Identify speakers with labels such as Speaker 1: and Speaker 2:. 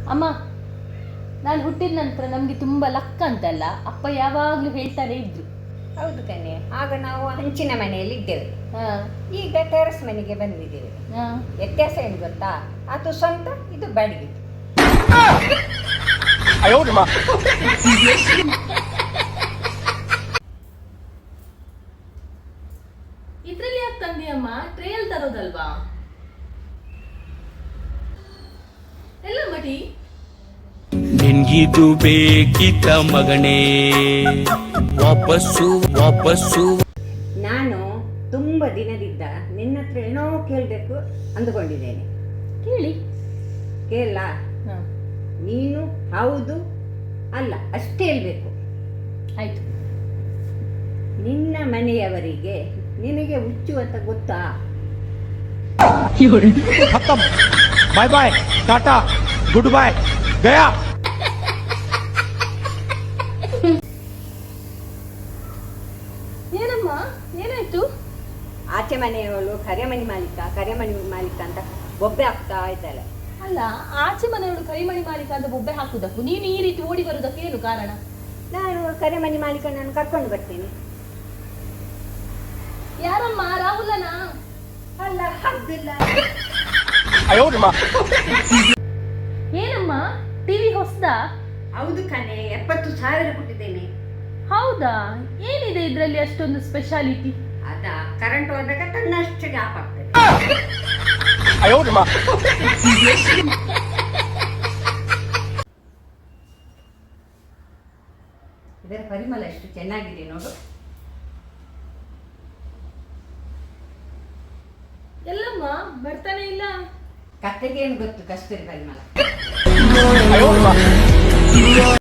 Speaker 1: ಅಮ್ಮ, ನಾನು ಹುಟ್ಟಿದ ನಂತರ ನಮಗೆ ತುಂಬ ಲಕ್ ಅಂತಲ್ಲ ಅಪ್ಪ ಯಾವಾಗಲೂ ಹೇಳ್ತಾನೆ ಇದ್ರು.
Speaker 2: ಹೌದು ಕಣೆ, ಆಗ ನಾವು ಹಂಚಿನ ಮನೆಯಲ್ಲಿ ಇದ್ದೇವೆ.
Speaker 1: ಹಾಂ
Speaker 2: ಈಗ ಟೆರೆಸ್ ಮನೆಗೆ ಬಂದಿದ್ದೇವೆ.
Speaker 1: ಹಾಂ
Speaker 2: ವ್ಯತ್ಯಾಸ ಏನು ಗೊತ್ತಾ? ಅದು ಸ್ವಂತ, ಇದು ಬಾಡಿಗೆ.
Speaker 1: ಇದ್ರಲ್ಲಿ ಯಾಕೆ ತಂದಿಯಮ್ಮ? ಟ್ರೇಲ್ ತರೋದಲ್ವಾ? ಎಲ್ಲ ಮಟಿ
Speaker 3: ನಿನ್ಗಿದು ಬೇಕಿತ್ತ ಮಗನೇ? ವಾಪಸ್ಸು ವಾಪಸ್ಸು.
Speaker 2: ನಾನು ತುಂಬ ದಿನದಿಂದ ನಿನ್ನ ಹತ್ರ ಏನೋ ಕೇಳಬೇಕು ಅಂದುಕೊಂಡಿದ್ದೇನೆ.
Speaker 1: ಕೇಳಿ.
Speaker 2: ಕೇಳ?
Speaker 1: ಹಾಂ
Speaker 2: ನೀನು ಹೌದು ಅಲ್ಲ ಅಷ್ಟೇ ಹೇಳ್ಬೇಕು.
Speaker 1: ಆಯ್ತು.
Speaker 2: ನಿನ್ನ ಮನೆಯವರಿಗೆ ನಿನಗೆ ಹುಚ್ಚು ಅಂತ ಗೊತ್ತಾ?
Speaker 4: खत्म, bye bye, tata, good bye, गया.
Speaker 1: ಏನಮ್ಮ, ಏನಾಯ್ತು?
Speaker 2: ಆಚೆ ಮನೆಯವಳು ಕರೆಮಣಿ ಮಾಲೀಕ ಅಂತ ಬೊಬ್ಬೆ ಹಾಕ್ತಾ ಇದ್ದಾಳೆ.
Speaker 1: ಅಲ್ಲ, ಆಚೆ ಮನೆಯವಳು ಕರಿಮಣಿ ಮಾಲೀಕ ಅಂತ ಬೊಬ್ಬೆ ಹಾಕುದಕ್ಕೂ ನೀನು ಈ ರೀತಿ ಓಡಿ ಬರುವುದಕ್ಕೆ ಏನು ಕಾರಣ?
Speaker 2: ನಾನು ಕರೆಮಣಿ ಮಾಲೀಕನನ್ನು ಕರ್ಕೊಂಡು ಬರ್ತೀನಿ.
Speaker 1: ಯಾರಮ್ಮ? ರಾಹುಲನಾ?
Speaker 2: ಅಲ್ಲ, ಅಬ್ದುಲ್ಲ.
Speaker 1: ಏನಮ್ಮ, ಟಿವಿ ಹೊಸದಾ?
Speaker 2: ಹೌದು ಕಣೆ, 70,000 ಕೊಟ್ಟಿದ್ದೇನೆ.
Speaker 1: ಹೌದಾ? ಏನಿದೆ ಇದರಲ್ಲಿ ಅಷ್ಟೊಂದು ಸ್ಪೆಷಾಲಿಟಿ?
Speaker 2: ಅದ ಕರೆಂಟ್ ಹೋದಾಗ ತನ್ನಷ್ಟಕ್ಕೆ ಆಫ್ ಆಗ್ತದೆ. ಇದರ ಪರಿಮಳ ಎಷ್ಟು ಚೆನ್ನಾಗಿದೆ ನೋಡು.
Speaker 1: ಎಲ್ಲಮ್ಮ ಬರ್ತಾನೆ ಇಲ್ಲ?
Speaker 2: ಕತ್ತೆಗೆ ಏನು ಗೊತ್ತು ಕಸ್ತೂರಿ ಪರಿಮಳ.